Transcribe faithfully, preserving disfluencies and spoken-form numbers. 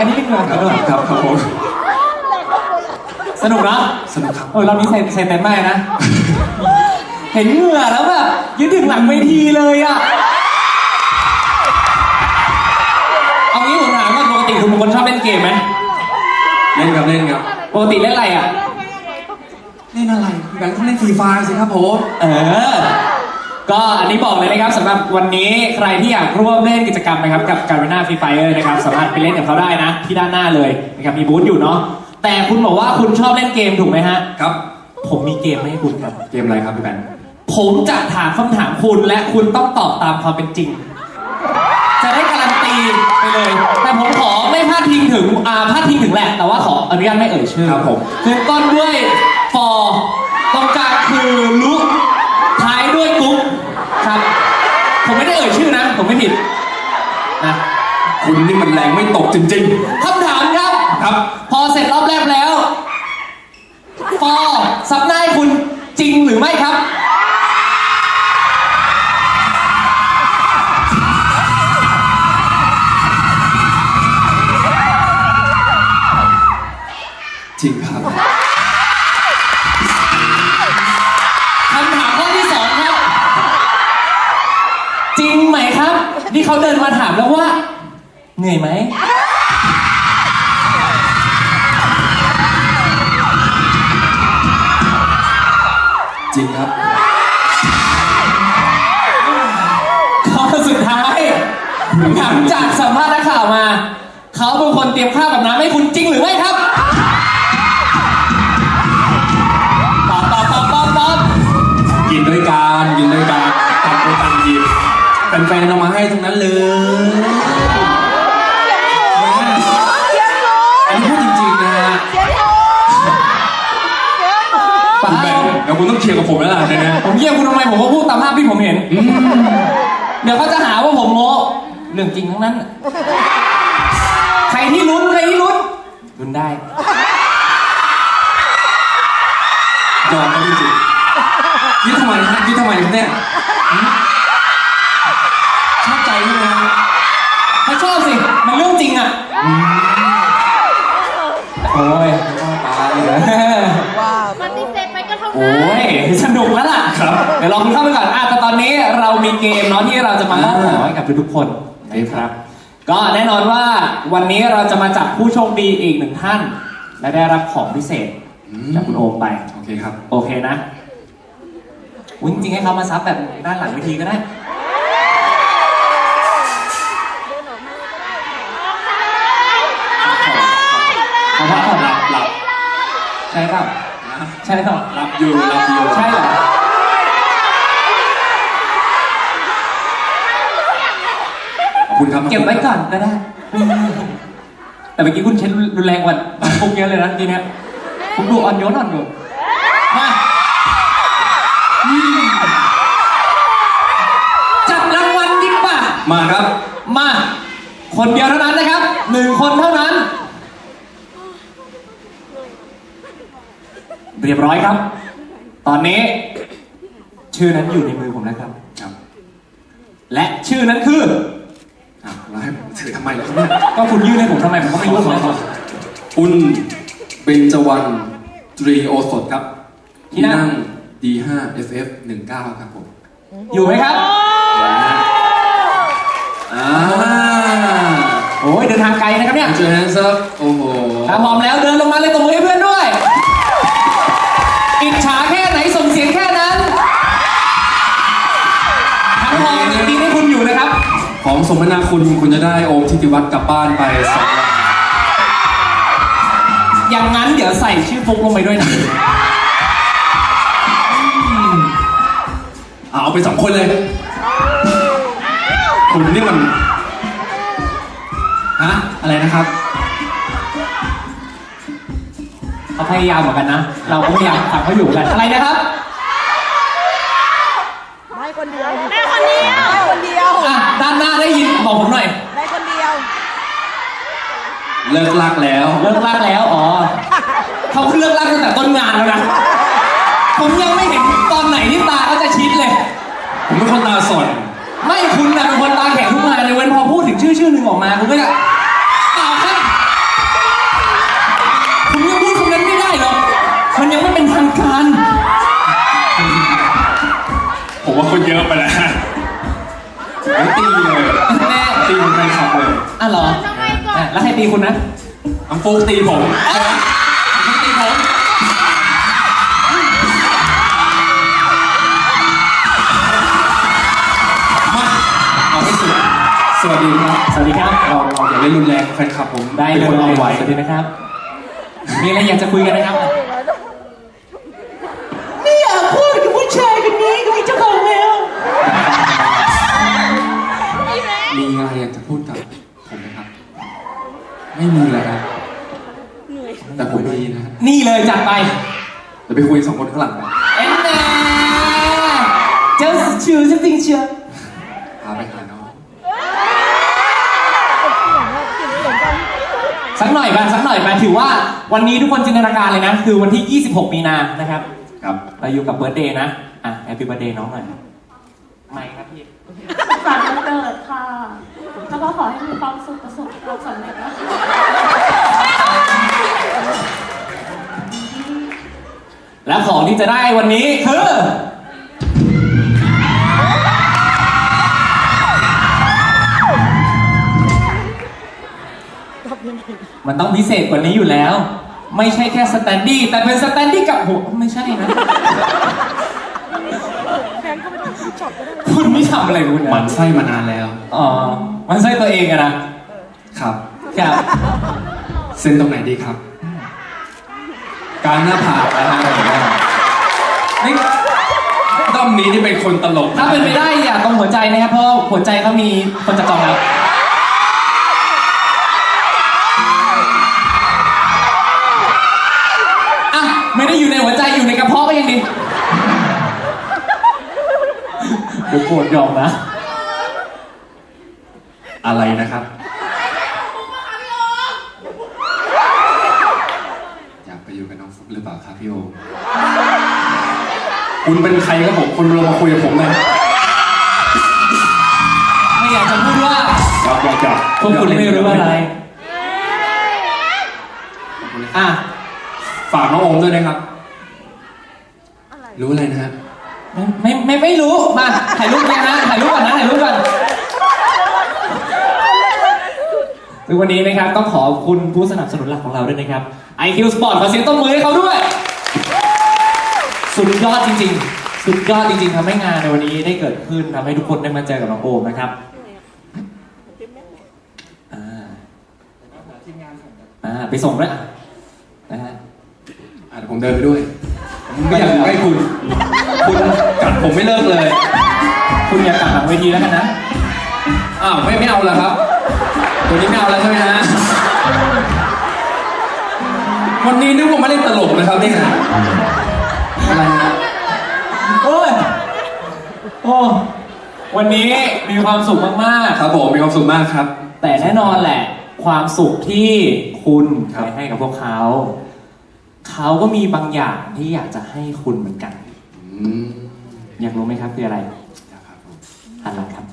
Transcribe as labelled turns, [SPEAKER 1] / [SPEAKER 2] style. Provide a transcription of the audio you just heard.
[SPEAKER 1] กันนิดนึงเลยครับ
[SPEAKER 2] ครับครับผม
[SPEAKER 1] สนุกเนาะ
[SPEAKER 2] สนุกครับ
[SPEAKER 1] เออเรามีใส่ใส่เต็มมากนะเห็นเหงื่อแล้วแบบยืดถึงหลังเวทีเลยอ่ะเอางี้ผมถามว่าปกติคุณเป็นคนชอบเล่นเกมไหม
[SPEAKER 2] เล่นครับเล่นครับ
[SPEAKER 1] ปกติเล่นอะไรอ่ะ
[SPEAKER 2] เล่นอะไรพี่แบงค์ต้องเล่นฟรีไฟร์สิครับผม
[SPEAKER 1] เออก็อันนี้บอกเลยนะครับสำหรับวันนี้ใครที่อยากร่วมเล่นกิจกรรมนะครับกับการ์เวน่าฟรีไฟร์นะครับสามารถไปเล่นกับเขาได้นะที่ด้านหน้าเลยนะครับมีบูธอยู่เนาะแต่คุณบอกว่าคุณชอบเล่นเกมถูกไหมฮะ
[SPEAKER 2] ครับ
[SPEAKER 1] ผมมีเกมให้คุณครับ
[SPEAKER 2] เกมอะไรครับพี่แบงค์
[SPEAKER 1] ผมจะถามคำถามคุณและคุณต้องตอบตามความเป็นจริงจะได้การันตีไปเลยแต่ผมขอไม่พลาดพิงถึงอ่าพลาดพิงถึงแหละแต่ว่าขออนุญาตไม่เอ่ยชื่อ
[SPEAKER 2] ครับผม
[SPEAKER 1] คือต้นด้วยฟอตรงกลางคือลุท้ายด้วยกุ๊กครับผมไม่ได้เอ่ยชื่อนะผมไม่ผิดนะ
[SPEAKER 2] คุณนี่มันแรงไม่ตกจริง
[SPEAKER 1] ๆคำถามครับ
[SPEAKER 2] ครับ
[SPEAKER 1] พอเสร็จรอบแรกแล้วฟอซับหน้าให้คุณจริงหรือไม่ครับ
[SPEAKER 2] จริงครับ
[SPEAKER 1] คำถามข้อที่สองครับจริงไหมครับที่เขาเดินมาถามแล้วว่าเหนื่อยไหม
[SPEAKER 2] จริงครับ
[SPEAKER 1] ข้อสุดท้ายหลังจากสัมภาษณ์นักข่าวมาเขาเป็นคนเตรียมข้าวกับน้ำให้คุณจริงหรือไม่ครับตอบตอบตอบตอบตอบ
[SPEAKER 2] กินด้วยกันกินด้วยกันตัดด้วยกันกินแฟนๆเอามาให้ทั้งนั้นเลยอันนี้พูดจริงๆนะฮะคุณแบงค์เดี๋ยวคุณต้องเคลียร์กับผมแล้วล่ะเนี่ย
[SPEAKER 1] ผมเยี่ยมคุณทำไมผมก็พูดตามภาพที่ผมเห็นเดี๋ยวเขาจะหาว่าผมโม้เรื่องจริงทั้งนั้นใครที่ลุ้นใครที่ลุ้นลุ้นได้
[SPEAKER 2] ยอมไม่จริงยึดทำไมฮะยึดทำไมเนี่ยชอบใจใช่ไหมฮะ
[SPEAKER 1] ถ้าชอบสิมันเรื่องจริงอ่ะโอ้ยตายเลย
[SPEAKER 3] ปฏิเสธไปก็เท่านั้น
[SPEAKER 1] โอ้ยสนุกแล้วล่ะ
[SPEAKER 2] ครับ
[SPEAKER 1] เดี๋ยวลองเข้าไปก่อนอ่ะแต่ตอนนี้เรามีเกมเนาะที่เราจะมามอบของให้กับทุกๆคนนะครับก็แน่นอนว่าวันนี้เราจะมาจับผู้โชคดีอีกหนึ่งท่านและได้รับของพิเศษจากคุณโอมไป
[SPEAKER 2] โอเคครับ
[SPEAKER 1] โอเคนะอุ๊ยจริงๆให้เขามาซับแบบด้านหลังเวทีก็ได้เขาพักผ่อนหลับหลับใช่เปล่าใช่เปล่า
[SPEAKER 2] หลับอยู่หลับอยู่
[SPEAKER 1] ใช่เหรอ
[SPEAKER 2] ขอบคุณครับ
[SPEAKER 1] เก็บไว้ก่อนก็ได้แต่เมื่อกี้คุณเช็ดรุนแรงกว่าพวกเยอะเลยนะทีเนี้ยผมดูอ่อนโยนอ่อนโยนมาจับรางวัลดีกว่า
[SPEAKER 2] มาครับ
[SPEAKER 1] มาคนเดียวเท่านั้นนะครับหนึ่งคนเท่านั้นเรียบร้อยครับตอนนี้ชื่อนั้นอยู่ในมือผมแล้วครับ
[SPEAKER 2] ครับ
[SPEAKER 1] และชื่อนั้นคือ
[SPEAKER 2] อ้าวแล้วให้ผมถือทำไมล่ะครับเนี่ย
[SPEAKER 1] ก็คุณยื่นให้ผมทำไมผมก็ไม่รู้เหมือนกัน
[SPEAKER 2] คุณเบญจวรรณตรีโอสถครับที่นั่ง ดี ห้า เอฟ เอฟ หนึ่งเก้า ครับผม
[SPEAKER 1] อยู่ไหมครับ
[SPEAKER 2] อ่า
[SPEAKER 1] โอ้ยเดินทางไกลนะครับเนี่ย
[SPEAKER 2] เจอแฮนซ์ซับโอ้โห
[SPEAKER 1] ถ้าพร้อมแล้วเดินลงมาเลยตบมือให้เพื่อนด้วยอิจฉาแค่ไหนส่งเสียงแค่นั้นทั้งพอดีให้คุณอยู่นะครับ
[SPEAKER 2] ของสมนาคุณคุณจะได้โอมทิติวัฒน์กลับบ้านไปสองวัน
[SPEAKER 1] อย่างนั้นเดี๋ยวใส่ชื่อฟุกลงไปด้วยนะ
[SPEAKER 2] เอาไปสองคนเลยคุณนี่มันฮะอะไรนะครับ
[SPEAKER 1] เขาพยายามเหมือนกันนะเราก็พยายามทำเขาอยู่กันอะไรนะครับ
[SPEAKER 3] ได้คนเดียวได้คนเดียวได้คนเดียว
[SPEAKER 1] อ่ะด้านหน้าได้ยินบอกผมหน่อย
[SPEAKER 3] ได้คนเดียว
[SPEAKER 2] เลิกลากแล้ว
[SPEAKER 1] เลิกลากแล้วอ๋อเขาเลิกลากตั้งแต่ต้นงานแล้วนะผมยังไม่เห็นตอนไหนที่ตาเขาจะชิดเลย
[SPEAKER 2] ผมเป็นคนตาสด
[SPEAKER 1] ไม่คุณนะเป็นคนตาแข็งทุกงานเลยเว้นพอพูดถึงชื่อชื่อหนึ่งออกมาคุณก็จะต่อครับ
[SPEAKER 2] ตีเลย
[SPEAKER 1] แน่
[SPEAKER 2] ตีเป็นแฟนคลับเลย
[SPEAKER 1] อ่ะเหรอ
[SPEAKER 3] ทำไมก่อน
[SPEAKER 1] อ่ะแล้วใครตีคุณนะ
[SPEAKER 2] น้ำฟุกตีผมน้ำฟุกตีผมมาเอาให้สุดสวัสดีครับ
[SPEAKER 1] สวัสดีครับ
[SPEAKER 2] เราเราอย่าเล่นรุนแรงแฟนคลับผม
[SPEAKER 1] ได้เลย
[SPEAKER 2] ป็นคนเอาไว้
[SPEAKER 1] สวัสดีนะครับ มีอะไรอยากจะคุยกันนะครับ ไม่อยากพูดกับผู้ชายคนนี้ก็มีเจ้าของแล้ว
[SPEAKER 2] มีอะไรอยากจะพูดกับผมไหมครับ ไม่มีเลยครับแต่ผมมีนะฮะ
[SPEAKER 1] นี่เลยจัดไป
[SPEAKER 2] เดี๋ยวไปคุยสองคนข้างหลังกัน
[SPEAKER 1] เอ็นแน่เจ้าชื่อจริงเชียว
[SPEAKER 2] พาไปหาน้อง
[SPEAKER 1] สักหน่อยป่ะสักหน่อยป่ะถือว่าวันนี้ทุกคนจินตนาการเลยนะ คือวันที่ ยี่สิบหก มีนานะครับ
[SPEAKER 2] ครับ
[SPEAKER 1] เราอยู่กับเบิร์ดเดย์นะ อ่ะแฮปปี้เบิร์ดเดย์น้องหน่อยไม่ครับพี่
[SPEAKER 4] สารวันเกิดค่ะ แล้วก็ขอให้มีความสุขประสบความสำเร็จนะคะ
[SPEAKER 1] และของที่จะได้วันนี้คือ มันต้องพิเศษกว่านี้อยู่แล้ว ไม่ใช่แค่สแตนดี้แต่เป็นสแตนดี้กับโหไม่ใช่นะ คุณนี่ทำอะไรคุณ
[SPEAKER 2] หมั
[SPEAKER 1] นะ
[SPEAKER 2] นไส้มานานแล้ว
[SPEAKER 1] อ๋อ มันใช่ตัวเองอะนะครับ ครับ
[SPEAKER 2] เส้นตรงไหนดีครับ การหน้าผากนะฮะนี่ด้อมนี้นี่เป็นคนตลกะ
[SPEAKER 1] ถ้าเป็นไปได้อย่าตรงหัวใจนะครับ เพราะหัวใจเขามีคนจะจองแล้ว อ่ะ ไม่ได้อยู่ในหัวใจอยู่ในกระเพาะก็ยังดีเดี๋ยวโกรธยอมนะ
[SPEAKER 2] อะไรนะครับ อยากไปอยู่กับน้องฟุกหรือเปล่าครับพี่โอ คุณเป็นใครครับผมคุณลงมาคุยกับผมเลย
[SPEAKER 1] ไม่อยากจะพูดว่า
[SPEAKER 2] อยากอยากอยาก
[SPEAKER 1] พวกคุณไม่รู้อะไร อ่ะ
[SPEAKER 2] ฝากน้องโอมด้วยนะครับ รู้อะไรนะฮะ
[SPEAKER 1] ไม่ไม่ไม่ไม่รู้ มา ถ่ายรูปกันนะ ถ่ายรูปก่อนนะ ถ่ายรูปก่อนซึ่งวันนี้นะครับต้องขอบคุณผู้สนับสนุนหลักของเราด้วยนะครับ ไอ คิว Sport ขอเสียงต้นมือให้เขาด้วย สุดยอดจริงๆ สุดยอดจริงๆทำให้งานในวันนี้ได้เกิดขึ้นทำให้ทุกคนได้มาเจอกับน้องโอมนะครับ อ่าอ่าไปส่งด้วยอ่ะนะฮะ
[SPEAKER 2] อ่ะเดี๋ยวผมเดินไปด้วย ผมไม่อยากอยู่ใกล้คุณ คุณกัดผมไม่เลิกเลย
[SPEAKER 1] คุณอย่ากลับหลังเวทีแล้วกันนะ
[SPEAKER 2] อ้าวไม่ไม่เอาแล้วครับ ตัวนี้ไม่เอาแล้วใช่ไหมฮะ วันนี้นึกว่ามาเล่นตลกนะครับเนี่ยอะไรฮะ
[SPEAKER 1] โอ้ย โอ้ วันนี้มีความสุขมาก
[SPEAKER 2] ครับผมมีความสุขมากครับ
[SPEAKER 1] ๆ แต่แน่นอนแหละ ความสุขที่คุณ
[SPEAKER 2] ครับ
[SPEAKER 1] ไปให้กับพวกเขา เขาก็มีบางอย่างที่อยากจะให้คุณเหมือนกัน
[SPEAKER 2] อืม
[SPEAKER 1] อยากรู้ไหมครับคืออะไร
[SPEAKER 2] อยากครับผม
[SPEAKER 1] หันหลังครับ